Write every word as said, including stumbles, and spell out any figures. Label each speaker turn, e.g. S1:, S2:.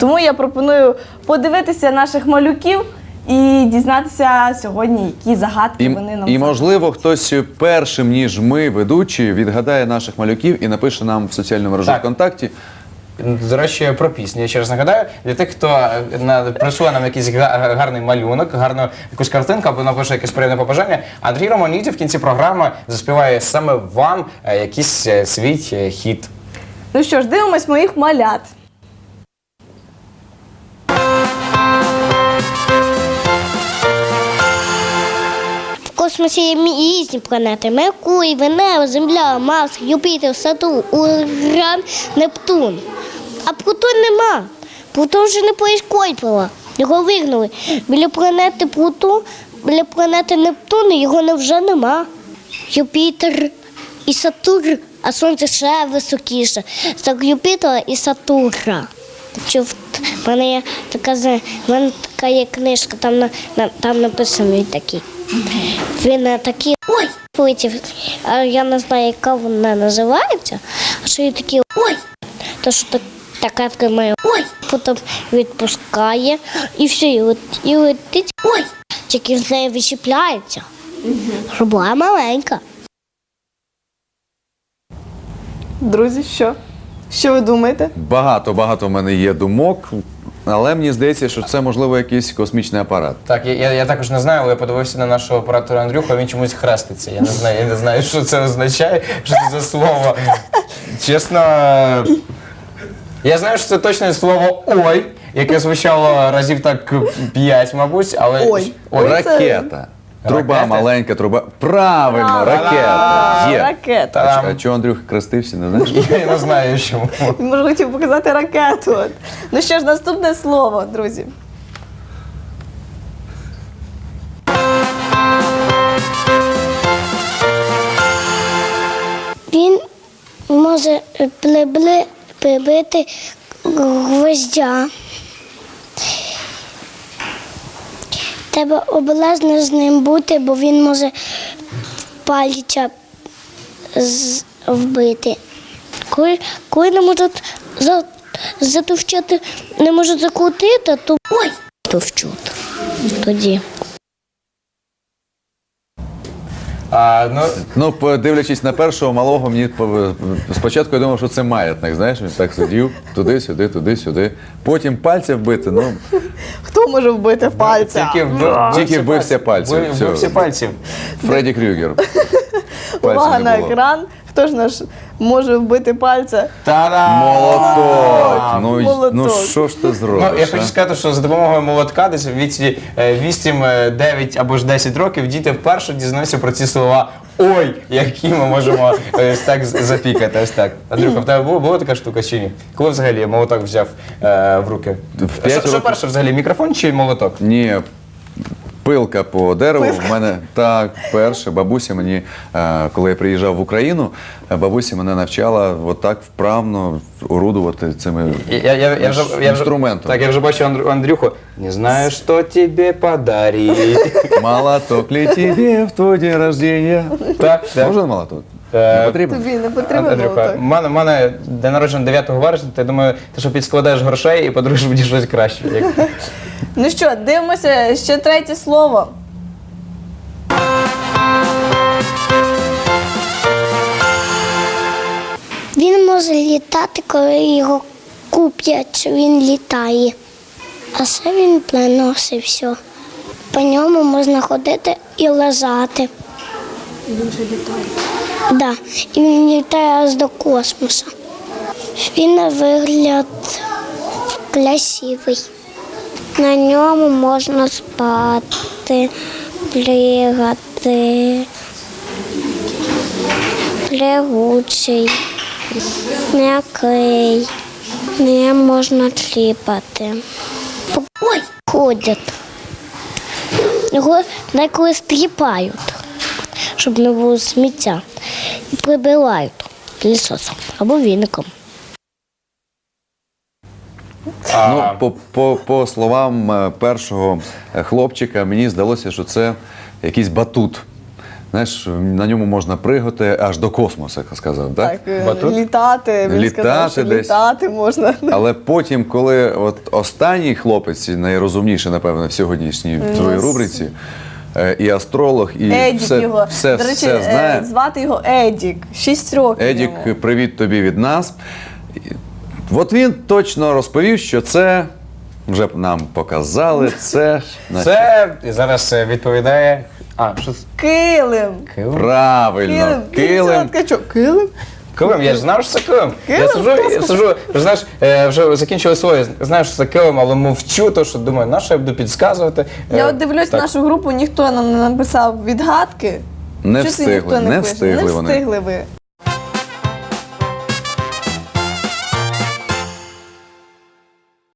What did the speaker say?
S1: Тому я пропоную подивитися наших малюків і дізнатися сьогодні, які загадки
S2: І,
S1: вони нам
S2: і можливо, хтось першим, ніж ми, ведучі, відгадає наших малюків і напише нам в соціальному мережу
S3: Так.
S2: ВКонтакті.
S3: До речі, про пісню. Я ще раз нагадаю, для тих, хто на, прийшов нам якийсь га- гарний малюнок, гарну якусь картинку або напише якесь приємне побажання, Андрій Романіді в кінці програми заспіває саме вам е, якийсь е, свій е, хіт.
S1: Ну що ж, дивимось моїх малят.
S4: В космосі є різні планети: Меркурій, Венера, Земля, Марс, Юпітер, Сатурн, Уран, Нептун. А Плутон нема. Плутон вже не поіскольпила. Його вигнали. Біля планети Плутон, біля планети Нептун його не вже нема. Юпітер і Сатурн, а Сонце ще високіше. Так Юпітера і Сатурна. Чув, в мене є така, в мене така є книжка, там, на, на, там написаний такий. Він на такі ой полетів, а я не знаю, яка вона називається, а що є такі ой, то що так, така тримає ой, потім відпускає і все, і, лет, і летить ой, тільки з нею відчіпляється, щоб була маленька.
S1: Друзі, що? Що ви думаєте?
S2: Багато-багато в мене є думок, але мені здається, що це, можливо, якийсь космічний апарат.
S3: Так, я, я, я також не знаю, але я подивився на нашого оператора Андрюха, він чомусь хреститься. Я не знаю, я не знаю, що це означає, що це за слово. Чесно, я знаю, що це точне слово «ой», яке звучало разів так п'ять, мабуть, але...
S1: Ой.
S3: Ой.
S2: Ракета. Труба,
S3: Ракета?
S2: маленька труба. Правильно,
S1: Правильно.
S2: ракета. Є.
S1: Ракета.
S2: А,
S3: Там.
S2: ч- а чого Андрюх хрестився, не знаєш?
S3: Я не знаю, чому.
S1: Він, може, хотів показати ракету. От. Ну що ж, наступне слово, друзі.
S4: Він може прибли- прибити гвоздя. Треба обережно з ним бути, бо він може пальця з- вбити. Коли, коли не можуть за, затовчати, не можуть закрутити, то ой, товчуть тоді.
S3: А, ну,
S2: Ну, подивлячись на першого малого, мені по- спочатку я думав, що це маятник, знаєш, він так сидів, туди-сюди, туди-сюди. Потім пальця вбити, ну,
S1: Хто може вбити пальця?
S3: тільки, вбив,
S2: Тільки вбився пальцем,
S3: Вбив-
S2: все.
S3: Вбився пальцем.
S2: Фредді Крюгер.
S1: Увага
S2: Пальця
S1: на
S2: не було.
S1: екран. Хто ж наш може вбити пальця?
S3: Та-дам!
S2: Молоток! Ну, й-
S1: Молоток.
S2: ну що ж ти зробиш?
S3: Ну, я хочу
S2: а?
S3: сказати, що за допомогою молотка десь в віці е, вісім, дев'ять або ж десять років діти вперше дізнаються про ці слова «ой», які ми можемо е, ось так з- запікати. Ось так. Андрюха, в тебе була, була така штука чи ні? Коли взагалі молоток взяв е, в руки?
S2: В п'ять
S3: Що, що
S2: років.
S3: перше взагалі, мікрофон чи молоток?
S2: Ні, пилка по дереву. В мене так перше. Бабуся мені, е, коли я приїжджав в Україну, е, бабуся мене навчала отак вправно орудувати цими
S3: Я, я, я, я, вже, я вже,
S2: інструментом.
S3: так, я вже бачу Андрю, Андрюху. Не знаю, що тобі подарить.
S2: Молоток ли тебе в твой день рождения?
S3: Так, так.
S2: Можна молоток?
S3: Е,
S2: Не потрібно?
S1: Тобі не потрібен
S3: Андрюха,
S1: молоток?
S3: в мене, в мене день народження дев'ятого вересня, то я думаю, ти що підскладаєш грошей і подаруєш мені щось краще. Як...
S1: Ну що, дивимося ще третє слово.
S4: Він може літати, коли його куплять, він літає. А ще він приносить все. По ньому можна ходити і лежати. Він же літає? Так. Да. І він літає аж до космосу. Він на вигляд красивий. На ньому можна спати, плігати, плягучий, м'який, не можна тліпати. Ой, ходять. Його деколи стріпають, щоб не було сміття. І прибирають пилісосом або віником.
S2: Ну, по, по, по словам е, першого е, хлопчика, мені здалося, що це якийсь батут. знаєш, на ньому можна пригати аж до космосу, як сказав, так?
S1: Так, е,
S3: Батут?
S1: літати, він
S2: Літати
S1: сказав, що
S2: десь.
S1: літати можна.
S2: Але потім, коли от останній хлопець, найрозумніший, напевно, в сьогоднішній твоїй рубриці, е, і астролог, і
S1: Едік
S2: все,
S1: його.
S2: все,
S1: До речі,
S2: все
S1: е,
S2: знає.
S1: звати його Едік. Шість років
S2: Едік,
S1: йому.
S2: привіт тобі від нас. І От він точно розповів, що це, вже нам показали, це... значить,
S3: Це і зараз е, відповідає. А, що це?
S1: Килим.
S3: Килим?
S2: правильно,
S1: Килим.
S2: килим.
S1: Ткачок. Килим?
S3: Килим, я ж знав, що це килим. Я
S1: Килим?
S3: сижу, я сижу, вже, знаєш, е, вже закінчили своє, знаю, що це килим, але мовчу, то що думаю, на що я буду підказувати.
S1: Я
S3: Е,
S1: от дивлюсь
S3: так.
S1: нашу групу, ніхто нам не написав відгадки.
S2: Не
S1: Щось і
S2: встигли,
S1: ніхто
S2: не
S1: пише.
S2: встигли
S1: Не
S2: вони.
S1: встигли ви.